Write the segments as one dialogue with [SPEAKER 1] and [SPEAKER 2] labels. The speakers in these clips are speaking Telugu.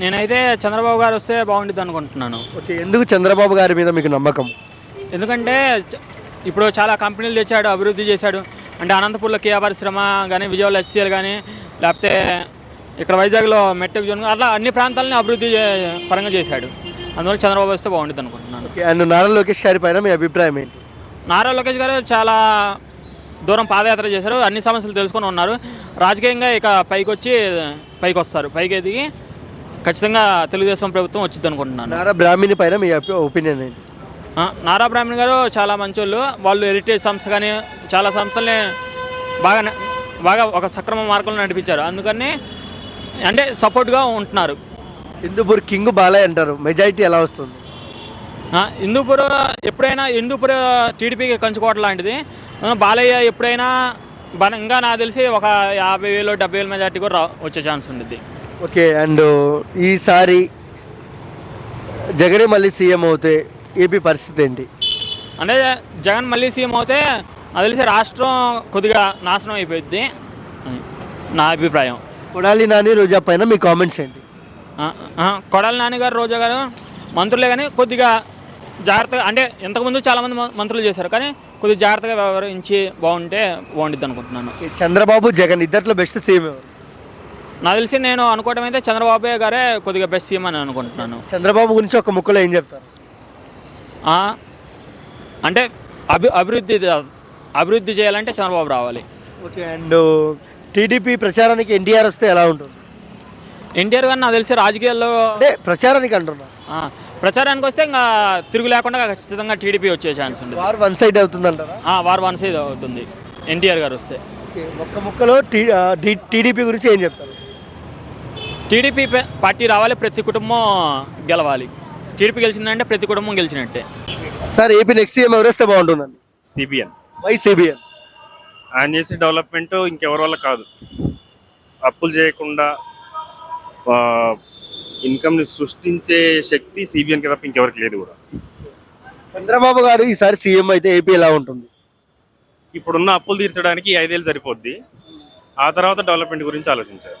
[SPEAKER 1] నేనైతే చంద్రబాబు గారు వస్తే బాగుంటుంది అనుకుంటున్నాను.
[SPEAKER 2] ఓకే, ఎందుకు చంద్రబాబు గారి మీద మీకు నమ్మకం?
[SPEAKER 1] ఎందుకంటే ఇప్పుడు చాలా కంపెనీలు తెచ్చాడు, అభివృద్ధి చేశాడు. అంటే అనంతపూర్లో కియా పరిశ్రమ కానీ, విజయవాడలో ఎస్సీఎల్ కానీ, లేకపోతే ఇక్కడ వైజాగ్లో మెట్రిక్ జోన్, అట్లా అన్ని ప్రాంతాలని అభివృద్ధి పరంగా చేశాడు. అందువల్ల చంద్రబాబు వస్తే బాగుంటుంది అనుకుంటున్నాను.
[SPEAKER 2] ఓకే, అండ్ నారా లోకేష్ గారి పైన మీ అభిప్రాయం ఏంటి?
[SPEAKER 1] నారా లోకేష్ గారు చాలా దూరం పాదయాత్ర చేశారు, అన్ని సమస్యలు తెలుసుకొని ఉన్నారు. రాజకీయంగా ఇక పైకి వస్తారు, పైకి ఎదిగి ఖచ్చితంగా తెలుగుదేశం ప్రభుత్వం వచ్చింది అనుకుంటున్నాను.
[SPEAKER 2] నారా బ్రాహ్మణి పైన మీ ఒపీనియన్ ఏంటి?
[SPEAKER 1] నారా బ్రాహ్మణ్ గారు చాలా మంచోళ్ళు. వాళ్ళు హెరిటేజ్ సంస్థ కానీ చాలా సంస్థల్ని బాగా ఒక సక్రమ మార్గంలో నడిపించారు. అందుకని అంటే సపోర్ట్గా ఉంటున్నారు.
[SPEAKER 2] హిందూపూర్ కింగ్ బాలయ్య అంటారు, మెజారిటీ ఎలా వస్తుంది?
[SPEAKER 1] హిందూపూర్ ఎప్పుడైనా హిందూపూర్ టీడీపీకి కంచుకోవటం లాంటిది. బాలయ్య ఎప్పుడైనా ఇంకా నాకు తెలిసి ఒక 50,000 70,000 మెజార్టీ కూడా వచ్చే ఛాన్స్ ఉంటుంది.
[SPEAKER 2] ఓకే, అండ్ ఈసారి జగనే మళ్ళీ సీఎం అవుతే ఏపీ పరిస్థితి ఏంటి?
[SPEAKER 1] అంటే జగన్ మళ్ళీ సీఎం అవుతే నాకు తెలిసి రాష్ట్రం కొద్దిగా నాశనం అయిపోయింది నా అభిప్రాయం.
[SPEAKER 2] కొడాలి నాని రోజా పైన మీ కామెంట్స్ ఏంటి?
[SPEAKER 1] కొడాలి నాని గారు, రోజా గారు మంత్రులే కానీ కొద్దిగా జాగ్రత్తగా, అంటే ఇంతకుముందు చాలామంది మంత్రులు చేశారు కానీ కొద్దిగా జాగ్రత్తగా వ్యవహరించి బాగుంటే బాగుంటుంది అనుకుంటున్నాను.
[SPEAKER 2] చంద్రబాబు జగన్ ఇద్దరిలో బెస్ట్ సీఎం ఎవరు?
[SPEAKER 1] నాకు తెలిసి నేను అనుకోవడం అయితే చంద్రబాబు గారే కొద్దిగా బెస్ట్ సీఎం అని అనుకుంటున్నాను.
[SPEAKER 2] చంద్రబాబు గురించి ఒక ముక్కలో ఏం చెప్తారు?
[SPEAKER 1] అంటే అభివృద్ధి చేయాలంటే చంద్రబాబు రావాలి.
[SPEAKER 2] ఓకే, అండ్ టీడీపీ ప్రచారానికి ఎన్టీఆర్ వస్తే ఎలా ఉంటుంది?
[SPEAKER 1] ఎన్టీఆర్ గారు నాకు తెలిసి రాజకీయాల్లో
[SPEAKER 2] అంటే ప్రచారానికి అంటున్నా,
[SPEAKER 1] ప్రచారానికి వస్తే ఇంకా తిరుగు లేకుండా ఖచ్చితంగా టీడీపీ వచ్చే ఛాన్స్ ఉంది.
[SPEAKER 2] వార్ వన్ సైడ్ అవుతుంది అంటారా?
[SPEAKER 1] వార్ వన్ సైడ్ అవుతుంది ఎన్టీఆర్ గారు వస్తే.
[SPEAKER 2] ఒక్క ముక్కలో టీడీపీ గురించి ఏం చెప్తారు?
[SPEAKER 1] టీడీపీ పార్టీ రావాలి, ప్రతి కుటుంబం గెలవాలి. టీడీపీ గెలిచిందంటే ప్రతి కుటుంబం గెలిచినట్టే.
[SPEAKER 2] సార్, ఏపీ నెక్స్ట్ సీఎం ఎవరు వస్తే బాగుంటుందండి?
[SPEAKER 3] సిబిఎన్.
[SPEAKER 2] Why CBN?
[SPEAKER 3] ఆయన చేసే డెవలప్మెంట్ ఇంకెవరి వల్ల కాదు. అప్పులు చేయకుండా ఇన్కమ్ని సృష్టించే శక్తి సిబిఎన్కి తప్ప ఇంకెవరికి లేదు కూడా.
[SPEAKER 2] చంద్రబాబు గారు ఈసారి సీఎం అయితే ఏపీ ఎలా ఉంటుంది?
[SPEAKER 3] ఇప్పుడున్న అప్పులు తీర్చడానికి 5 ఏళ్ళు సరిపోద్ది. ఆ తర్వాత డెవలప్మెంట్ గురించి ఆలోచించారు.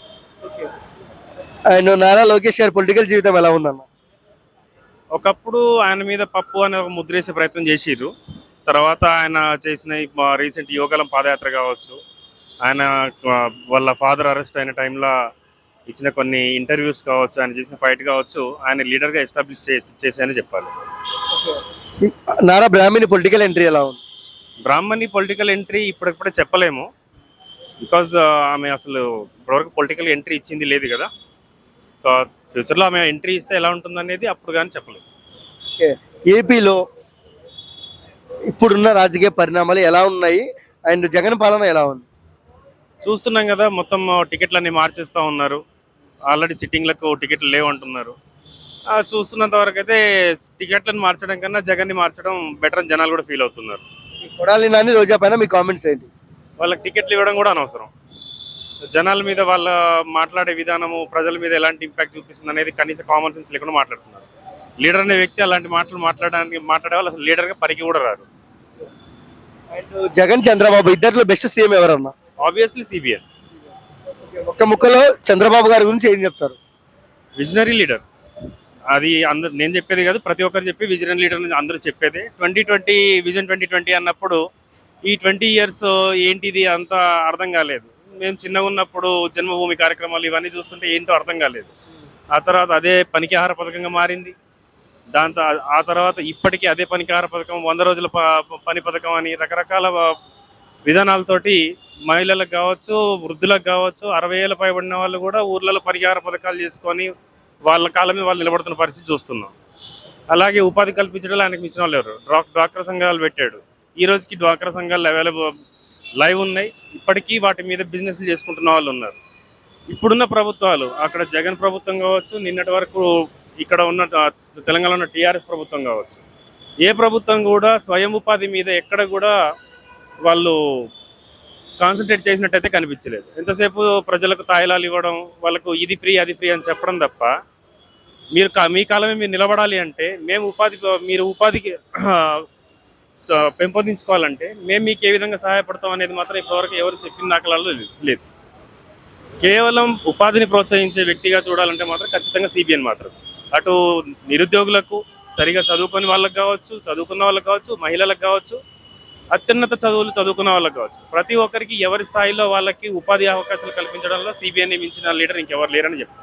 [SPEAKER 2] అండ్ నారా లోకేష్ గారి పొలిటికల్ జీవితం ఎలా ఉందన్న?
[SPEAKER 3] ఒకప్పుడు ఆయన మీద పప్పు అనే ఒక ముద్రేసే ప్రయత్నం చేసిర్రు. తర్వాత ఆయన చేసిన రీసెంట్ యువగలం పాదయాత్ర కావచ్చు, ఆయన వాళ్ళ ఫాదర్ అరెస్ట్ అయిన టైంలో ఇచ్చిన కొన్ని ఇంటర్వ్యూస్ కావచ్చు, ఆయన చేసిన ఫైట్ కావచ్చు, ఆయన లీడర్గా ఎస్టాబ్లిష్ చేశాయని చెప్పాలి.
[SPEAKER 2] నారా బ్రాహ్మణి పొలిటికల్ ఎంట్రీ ఎలా ఉంది?
[SPEAKER 3] బ్రాహ్మణి పొలిటికల్ ఎంట్రీ ఇప్పుడిప్పుడే చెప్పలేము. బికాజ్ ఆమె అసలు ఇప్పటివరకు పొలిటికల్ ఎంట్రీ ఇచ్చింది లేదు కదా. ఫ్యూచర్లో ఆమె ఎంట్రీ ఇస్తే ఎలా ఉంటుంది అనేది అప్పుడు కానీ చెప్పలేము.
[SPEAKER 2] ఏపీలో ఇప్పుడున్న రాజకీయ పరిణామాలు ఎలా ఉన్నాయి అండ్ జగన్ పాలన ఎలా ఉంది?
[SPEAKER 3] చూస్తున్నాం కదా, మొత్తం టికెట్లన్నీ మార్చేస్తూ ఉన్నారు. ఆల్రెడీ సిట్టింగ్లకు టికెట్లు లేవంటున్నారు. చూస్తున్నంత వరకు అయితే టికెట్లను మార్చడం కన్నా జగన్ని మార్చడం బెటర్ అని జనాలు కూడా ఫీల్ అవుతున్నారు.
[SPEAKER 2] కొడాలి నాని రోజా పైన మీ కామెంట్స్ ఏంటి?
[SPEAKER 3] వాళ్ళకి టికెట్లు ఇవ్వడం కూడా అనవసరం. జనాల మీద వాళ్ళ మాట్లాడే విధానము ప్రజల మీద ఎలాంటి ఇంపాక్ట్ చూపిస్తుంది అనేది కనీస కామన్ సెన్స్ లేకుండా మాట్లాడుతున్నారు. లీడర్ అనే వ్యక్తి అలాంటి మాటలు మాట్లాడే వాళ్ళు అసలు లీడర్గా పరికి కూడా రారు.
[SPEAKER 2] జగన్ చంద్రబాబు ఇద్దరిలో బెస్ట్ సీఎం ఎవరన్నా?
[SPEAKER 3] Obviously CBN.
[SPEAKER 2] ఒక్క ముక్కలో చంద్రబాబు గారి గురించి ఏం చెప్తారు?
[SPEAKER 3] Visionary leader. అది అందరు నేను చెప్పేది కాదు, ప్రతి ఒక్కరు చెప్పి విజనరీ లీడర్ అందరూ చెప్పేది. 2020 విజన్ 2020 అన్నప్పుడు ఈ 20 years ఏంటిది అంత అర్థం కాలేదు. మేము చిన్నగా ఉన్నప్పుడు జన్మభూమి కార్యక్రమాలు ఇవన్నీ చూస్తుంటే ఏంటో అర్థం కాలేదు. ఆ తర్వాత అదే పనికి ఆహార పథకంగా మారింది. దాంతో ఆ తర్వాత ఇప్పటికీ అదే పనికి ఆహార పథకం, 100 రోజుల పని పథకం అని రకరకాల విధానాలతోటి మహిళలకు కావచ్చు, వృద్ధులకు కావచ్చు, 60 ఏళ్ళ పైబడిన వాళ్ళు కూడా ఊర్లలో పరిహార పథకాలు చేసుకొని వాళ్ళ కాళ్ళ మీద వాళ్ళు నిలబడుతున్న పరిస్థితి చూస్తున్నాం. అలాగే ఉపాధి కల్పించడం ఆయనకు మించిన వాళ్ళు ఎవరు? డ్వాక్రా సంఘాలు పెట్టాడు. ఈ రోజుకి డ్వాక్రా సంఘాలు లైవ్ ఉన్నాయి. ఇప్పటికీ వాటి మీద బిజినెస్లు చేసుకుంటున్న వాళ్ళు ఉన్నారు. ఇప్పుడున్న ప్రభుత్వాలు, అక్కడ జగన్ ప్రభుత్వం కావచ్చు, నిన్నటి వరకు ఇక్కడ ఉన్న తెలంగాణలో ఉన్న టీఆర్ఎస్ ప్రభుత్వం కావచ్చు, ఏ ప్రభుత్వం కూడా స్వయం ఉపాధి మీద ఎక్కడ కూడా వాళ్ళు కాన్సన్ట్రేట్ చేసినట్టయితే కనిపించలేదు. ఎంతసేపు ప్రజలకు తాయిలాలు ఇవ్వడం, వాళ్ళకు ఇది ఫ్రీ అది ఫ్రీ అని చెప్పడం తప్ప, మీ కాలమే మీరు నిలబడాలి అంటే మీరు ఉపాధికి పెంపొందించుకోవాలంటే మేము మీకు ఏ విధంగా సహాయపడతాం అనేది మాత్రం ఇప్పటివరకు ఎవరు చెప్పిన దాఖలాలు లేదు. కేవలం ఉపాధిని ప్రోత్సహించే వ్యక్తిగా చూడాలంటే మాత్రం ఖచ్చితంగా సిబిఎన్ మాత్రం. అటు నిరుద్యోగులకు, సరిగా చదువుకొని వాళ్ళకి కావచ్చు, చదువుకున్న వాళ్ళకి కావచ్చు, మహిళలకు కావచ్చు, అత్యున్నత చదువులు చదువుకున్న వాళ్ళకి కావచ్చు, ప్రతి ఒక్కరికి ఎవరి స్థాయిలో వాళ్ళకి ఉపాధి అవకాశాలు కల్పించడంలో సిబిఎన్ మించిన లీడర్ ఇంకెవరు లేరని చెప్పారు.